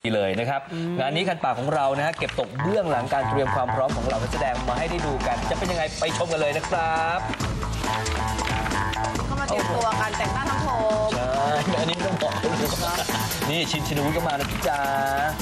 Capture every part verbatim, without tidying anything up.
เลยนะครับงานนี้คันปากของเรานะฮะเก็บตกเบื้องหลังการเตรียมความพร้อมของเหล่านักแสดงมาให้ได้ดูกันจะเป็นยังไงไปชมกันเลยนะครับก็มาเตรียมตัวกันแต่งหน้าทำผมใช่อันนี้ต้องบอกนี่ชินชินวุฒิก็มานะจ๊ะ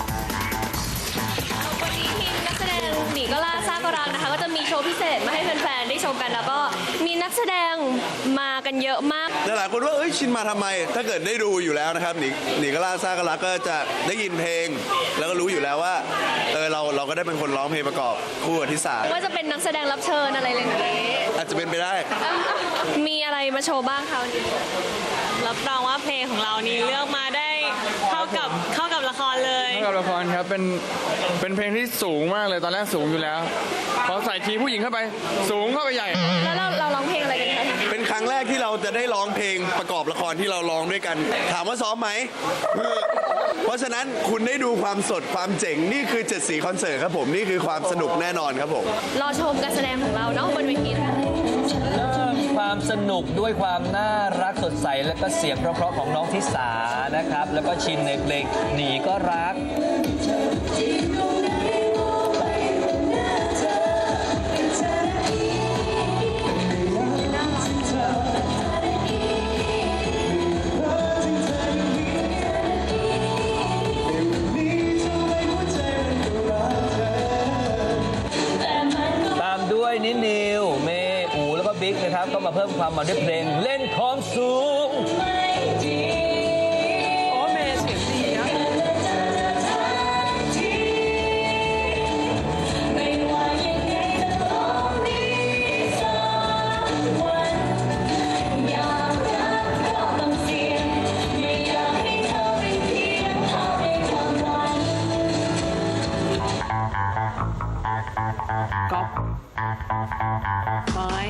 วันนี้ทีมนักแสดงหนีก็ล่าซากรังนะคะก็จะมีโชว์พิเศษมาให้แฟนๆได้ชมกันแล้วก็มีนักแสดงมากันเยอะมากหลายคนว่าเอ้ยชินมาทำไมถ้าเกิดได้ดูอยู่แล้วนะครับหนีหนีก็ล่าซากรักก็จะได้ยินเพลง แล้วก็รู้อยู่แล้วว่าเออเราเราก็ได้เป็นคนร้องเพลงประกอบคู่กับทิสาว่าจะเป็นนักแสดงรับเชิญอะไรอย่างนี้อาจจะเป็นไปได้มีอะไรมาโชว์บ้างคะวันนี้รับรองว่าเพลงของเรานี้เลือกมาได้เข้ากับเข้ากับละครเลยเข้ากับละครครับเป็นเป็นเพลงที่สูงมากเลยตอนแรกสูงอยู่แล้วพอใส่ทีผู้หญิงเข้าไปสูงเข้าไปใหญ่แล้วเราเราร้องเพลงอะไรกันคะเป็นครั้งแรกที่เราจะได้ร้องเพลงประกอบละครที่เราร้องด้วยกันถามว่าซ้อมไหมเพราะฉะนั้นคุณได้ดูความสดความเจ๋งนี่คือเจ็ดสีคอนเสิร์ตครับผมนี่คือความสนุกแน่นอนครับผมรอชมการแสดงของเราเนาะบนเวทีนะคะความสนุกด้วยความน่ารักสดใสและก็เสียงเพราะๆของน้องทิสานะครับแล้วก็ชินในเพลงหนีก็รักตามด้วยนินิวเมอูแล้วก็บิ๊กนะครับก็มาเพิ่มความมันด้วยเพลงเล่นของสูงโอ้เมย์เสียงดีนะก๊อฟไม้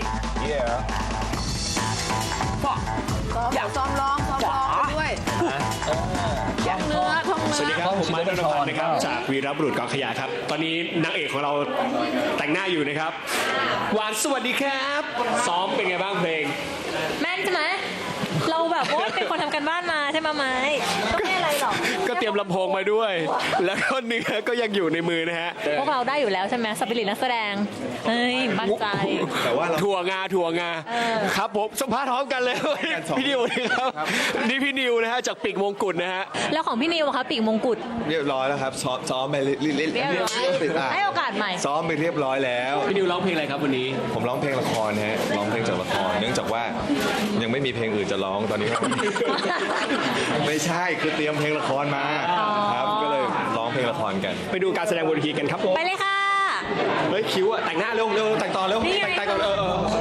ก็อยากซ้อมร้องซ้อมร้องด้วยท่องเนื้อท่องเนื้อสวัสดีครับผมมาร์ค ดนพันธ์นะครับจากวีรบุรุษกองขยะครับตอนนี้นางเอกของเราแต่งหน้าอยู่นะครับหวานสวัสดีครับซ้อมเป็นไงบ้างเพลงแม่นใช่ไหมเราแบบว่าเป็นคนทำกันบ้านมาใช่ไหมไม้ก็ไม่อะไรหรอกก็เตรียมลำโพงมาด้วยแล้วก็เนื้อก็ยังอยู่ในมือนะฮะพวกเราได้อยู่แล้วใช่ไหมสปิริตนักแสดงเฮ้ยมั่นใจแต่ว่าถั่วงาถั่วงาครับผมสัมภาษณ์พร้อมกันเลยพี่นิวนะครับนี่พี่นิวนะฮะจากปีกมงกุฎนะฮะแล้วของพี่นิวอะคะปีกมงกุฎเรียบร้อยแล้วครับซ้อมซ้อมไปเรียบร้อยให้โอกาสใหม่ซ้อมไปเรียบร้อยแล้วพี่นิวร้องเพลงอะไรครับวันนี้ผมร้องเพลงละครฮะร้องเพลงจากละครเนื่องจากว่ายังไม่มีเพลงอื่นจะร้องตอนนี้ไม่ใช่คือเตรียมเพลงละครมาครับก็เลยร้องเพลงละครกันไปดูการแสดงบนเวทีกันครับไปเลยค่ะเฮ้ยคิวอะแต่งหน้าเร็วเร็วแต่งต่อเร็วแต่งแต่งก่อนเอ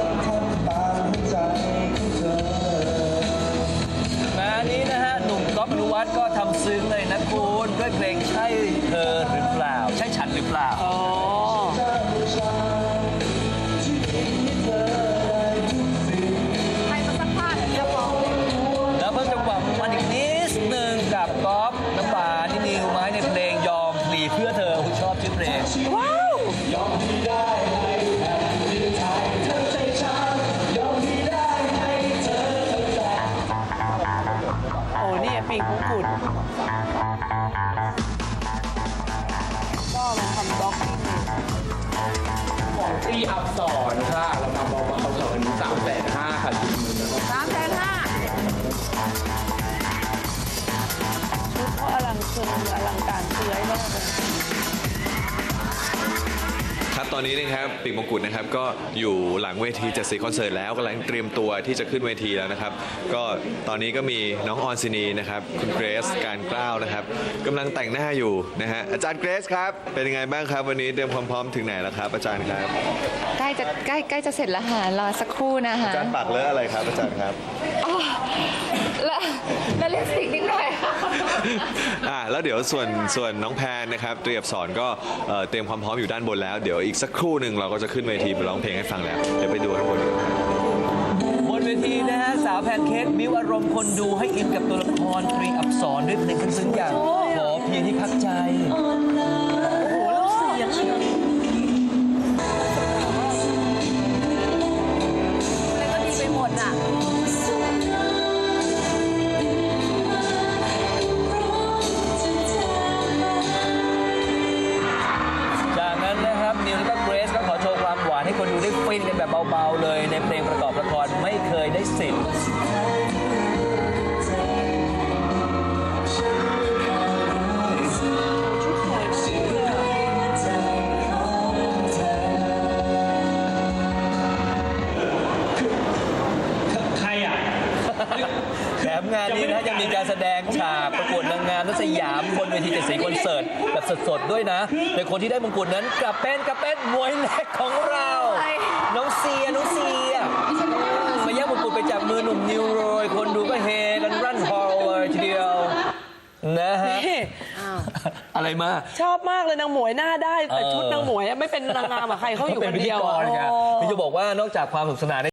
องานนี้นะฮะหนุ่มก๊อฟนุวัฒน์ก็ทำซึ้งเลยนะคุณด้วยเพลงใช่เธอหรือเปล่าใช่ฉันหรือเปล่าแล้วเพิ่มจังหวะมันอีกนิดนึงกับก๊อฟน้ำหวานนินิวไม้ในเพลงยอมพลีเพื่อเธอคุณชอบชื่อเพลงว้าวยอมได้โอ้นี่ปีกมงกุฎก็ลองทำบล็อกกิ้งของที่อัพสอนค่ะเราทำบล็อกอัพสอนสามแสนห้าค่ะสามแสนห้าชุดก็อลังเกินอลังการเสื้อมากเลยครับตอนนี้นะครับปีกมงกุฎนะครับก็อยู่หลังเวทีเจ็ดสีคอนเสิร์ตแล้วกำลังเตรียมตัวที่จะขึ้นเวทีแล้วนะครับก็ตอนนี้ก็มีน้องออนซินีนะครับคุณเกรซการกล้าวนะครับกำลังแต่งหน้าอยู่นะฮะอาจารย์เกรซครับเป็นยังไงบ้างครับวันนี้เตรียมความพร้อมถึงไหนแล้วครับอาจารย์ครับใกล้จะใกล้ใกล้จะเสร็จแล้วค่ะรอสักครู่นะคะอาจารย์ปักเลอะอะไรครับอาจารย์ครับอ๋อแล้วแล้วลิปสติกนิดหน่อยค่ะอ่าแล้วเดี๋ยวส่วนส่วนน้องแพนนะครับเตรียมสอนก็เตรียมความพร้อมอยู่ด้านบนแล้วเดี๋ยวอีกสักครู่หนึ่งเราก็จะขึ้นเวทีไปร้องเพลงให้ฟังแล้วเดี๋ยวไปดูข้างบนกันบนเวทีนะฮะสาวแพนเค้กบิ้วอารมณ์คนดูให้อินกับตัวละครตรีอักษรด้วยเพลงซึ้งๆอย่างขอเพียงที่พักใจโอ้โหแล้วเสียงอะไรก็ดีไปหมดอ่ะเเบาๆเลยในเพลงประกอบละครไม่เคยได้สิทธิ์ใครอ่ะแถมงานนี้นะยังมีการแสดงฉากประกวดนางงามนัสยามบนเวทีเจ็ดสีคอนเสิร์ตแบบสดๆด้วยนะโดยคนที่ได้มงกุฎนั้นกลับเป็นกลับเป็นมวยเล็กของเรา น้องเซียน้องเซียมาแย่งมงกุฎไปจากมือหนุ่มนิวโรยคนดูก็เฮกันรั่นฮอลเลยทีเดียวนะฮะอะไรมาชอบมากเลยนางหมวยหน้าได้แต่เออชุดนางหมวยอะไม่เป็นนางงามอะใครเขาอยู่เป็คน นพิธีเดียวกอะรครับโอ้พี่จะบอกว่านอกจากความสนุกสนาน